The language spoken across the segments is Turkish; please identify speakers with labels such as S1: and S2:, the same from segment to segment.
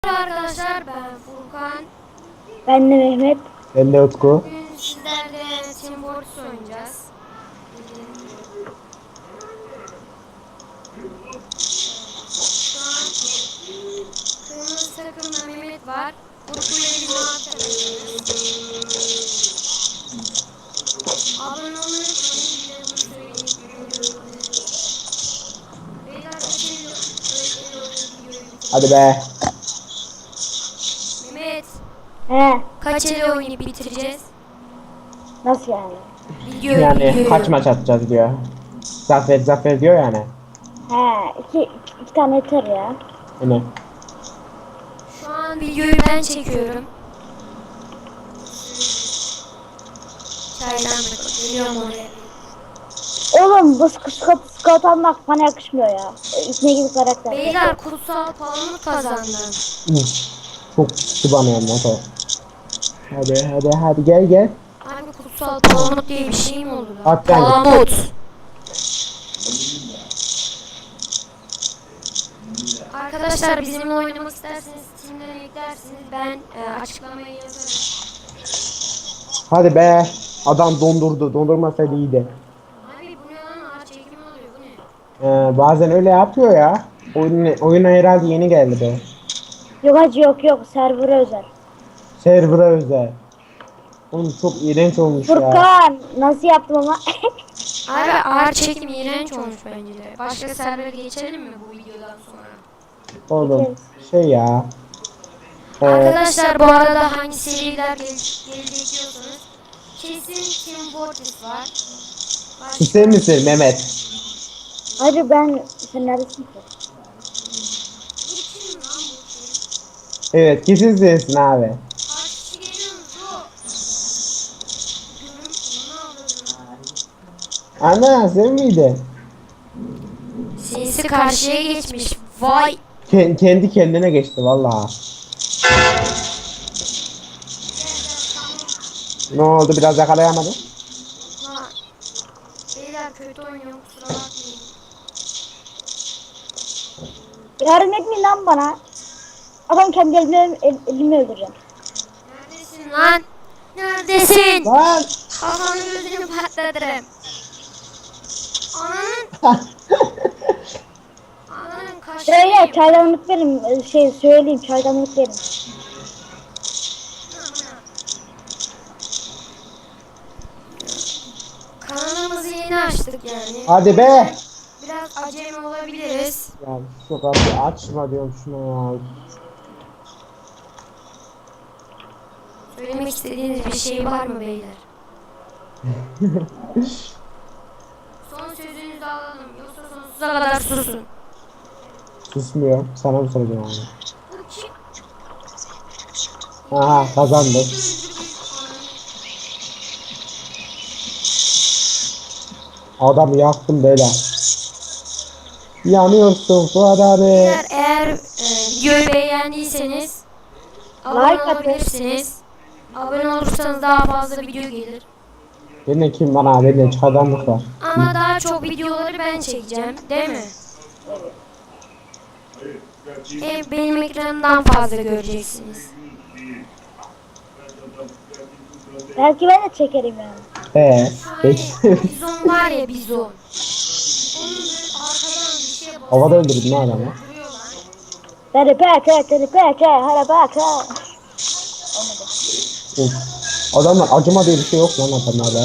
S1: Arkadaşlar ben Furkan.
S2: Ben de Mehmet.
S3: Ben de Utku.
S1: Bugün sizlerle Team Fortress oynayacağız. Bildiğiniz gibi. Şu an kırmızı takımda Mehmet var. Utku ile biz mavi takımdayız. Abone olmayı unutmayın. Bir de bunu söyleyeyim. Beyler kaç el videoyu
S3: Hadi
S1: bitireceğiz?
S3: be.
S1: Mehmet
S2: He,
S1: kaç el oynayıp bitireceğiz?
S2: nasıl yani?
S3: Yani kaç maç atacağız diyor. Zafer diyor yani.
S2: He, iki tane yeter ya.
S3: Hani
S1: Şu an videoyu ben çekiyorum. Çaydan geliyorum oraya.
S2: Oğlum bu scout almak bana yakışmıyor ya. İçine gibi karakter.
S1: Beyler kutsal palamut kazandı.
S3: çok sıkı bana ya motor. Hadi gel.
S1: Abi kutsal palamut diye bir şey mi oldu lan?
S3: At bence.
S1: Palamut. Arkadaşlar bizimle oynamak isterseniz Steam'den eklersiniz. Ben açıklamayı yazarım.
S3: Hadi be. Adam dondurdu. Dondurmasaydı iyiydi.
S1: Abi bu ne lan? Ağaç çekimi oluyor bu ne?
S3: Bazen öyle yapıyor ya. Oyuna herhalde yeni geldi be.
S2: Yok hacı yok server'a özel.
S3: Server'a özel. Oğlum çok iğrenç olmuş ya.
S2: Furkan nasıl yaptım ama?
S1: Abi ağaç çekimi iğrenç olmuş bence de. Başka servere geçelim mi bu videodan sonra?
S3: Oğlum şey ya.
S1: Arkadaşlar bu arada hangi seriler gelecek diyorsanız kesin Team Fortress var.
S3: Sen misin Mehmet?
S2: Hacı sen neredesin ki?
S1: Kim lan bu kim?
S3: Evet kesin sensin abi.
S1: Kaç kişi geliyor mu şu? Görüm onu aldım.
S3: Ana sen miydin?
S1: Sinsi karşıya geçmiş. Vay.
S3: Kendi kendine geçti vallahi. Ne oldu biraz yakalayamadım.
S1: Lan. Beyler kötü oynuyor kusura bakmayın.
S2: Yardım etmeyin lan bana. Adam kendi elimi öldüreceğim.
S1: Neredesin lan? Neredesin?
S3: Lan!
S1: Kafanı gözünü patlatırım. Ananın. Ananın
S2: Şöyle
S1: kaşıyım.
S2: çaydanlık verin. Söyleyeyim çaydanlık verin.
S1: Kanalımızı yeni açtık yani.
S3: Hadi be!
S1: Biraz acemi olabiliriz.
S3: Ya şu kapıyı açma diyorum şuna ya.
S1: Söylemek istediğiniz bir şey var mı beyler? Son sözünüzü alalım. Yoksa sonsuza kadar susun.
S3: Susmuyor. Sana mı soracağım abi?
S1: Bu kim?
S3: Aha kazandık. Adamı yaktım böyle. Yanıyorsun Fuat abi.
S1: Beyler eğer videoyu beğendiyseniz abone
S2: Like atın.
S1: olabilirsiniz. Abone olursanız daha fazla video gelir.
S3: Bende kim var abi? Bende çaydanlık var.
S1: Ama daha çok videoları ben çekeceğim, değil mi? Benim ekranımdan fazla göreceksiniz.
S2: Belki ben de çekerim yani.
S3: Peki.
S1: Bizon var ya bizon. Onun böyle arkadan bir şey basıyor.
S3: Havada öldürdün lan adamı.
S2: Teripeke, harabaka.
S3: Of. Adamlar acıma diye bir şey yok lan adamlarda.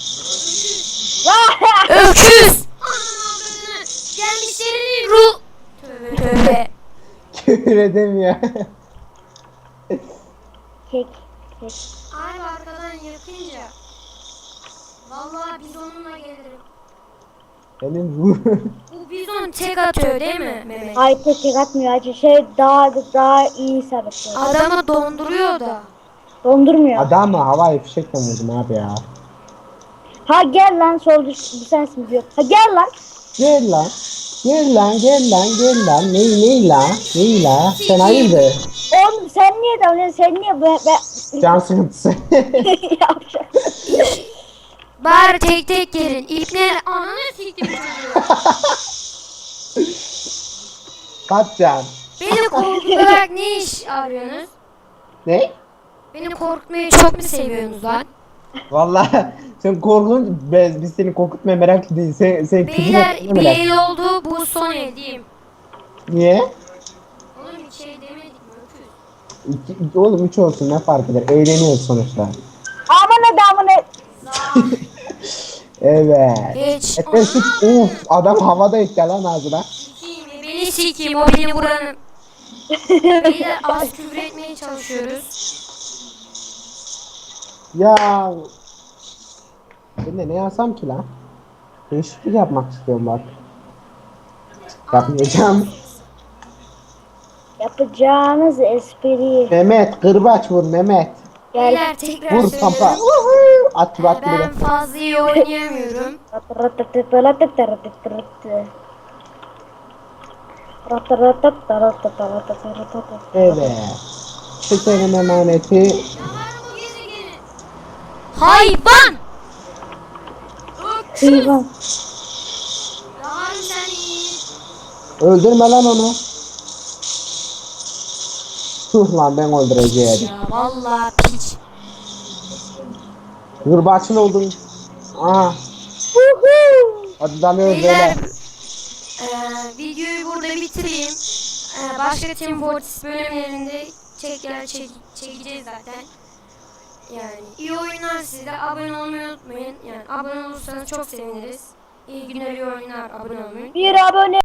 S1: Öküz! Ananı avradını! Gelmişlerin ruh! Tövbe tövbe.
S3: Küfür edemiyor.
S2: Kek.
S1: Abi arkadan yakınca vallahi bizonumla gelirim.
S3: Benim bu.
S1: Bu bizon tek atıyor değil mi Mehmet?
S2: Ay tek atmıyor acı daha iyi isabet ediyor.
S1: Adamı donduruyor da.
S2: Dondurmuyor.
S3: Adamı havai fişekle vurdum abi ya.
S2: Ha gel lan solcu bu sensin diyor. Ha gel lan.
S3: Gel lan. Gel lan. Ney la? Sen hayırdır?
S2: Oğlum sen niye dalıyorsun? Sen niye
S3: Can sıkıntısı.
S2: yapacak?
S1: Bari tek tek gelin. İpne ananı siktim çocuğu.
S3: Kaç can?
S1: Beni korkutarak ne iş arıyorsunuz?
S3: Ne?
S1: Beni korkutmayı çok mu seviyorsunuz lan?
S3: Vallahi sen korkun biz seni korkutmaya meraklı değil. Sen küfür
S1: Beyler
S3: etmeye
S1: bir
S3: meraklı.
S1: el oldu, bu son el diyeyim.
S3: Niye?
S1: Oğlum bir şey demedik mi? Öküz.
S3: Oğlum 3 olsun ne fark eder? Eğleniyoruz sonuçta.
S2: Amına da amına.
S3: Evet.
S1: Geç.
S3: Efendim adam havada etti lan ağzına.
S1: Sikiyim, beni sikiyim, o benim buranın. Beyler az küfür etmeye çalışıyoruz.
S3: Ya ben de ne yazsam ki lan? Değişiklik yapmak istiyorum bak. Yapmayacağım.
S2: Yapacağınız espri.
S3: Mehmet kırbaç vur Mehmet.
S2: Gel.
S1: Beyler tekrar
S3: Vur pampa.
S1: söylüyorum.
S3: At gibi at gibi.
S1: Ben fazla iyi oynayamıyorum.
S3: Evet. Çekelim emaneti.
S1: Hayvan!
S2: Hayvan.
S1: Yalan seni.
S3: Öldürme lan onu. Tuh lan ben öldüreceğim.
S1: Ya vallahi piç.
S3: Kırbaçlı oldum. Aha. Hadi dalıyoruz
S1: Beyler
S3: böyle.
S1: videoyu burada bitireyim. Başka Team Fortress bölümlerinde çekeceğiz zaten. Yani iyi oyunlar, size de abone olmayı unutmayın. Yani abone olursanız çok seviniriz. İyi günler, iyi oyunlar, abone olmayı.
S2: Bir abone.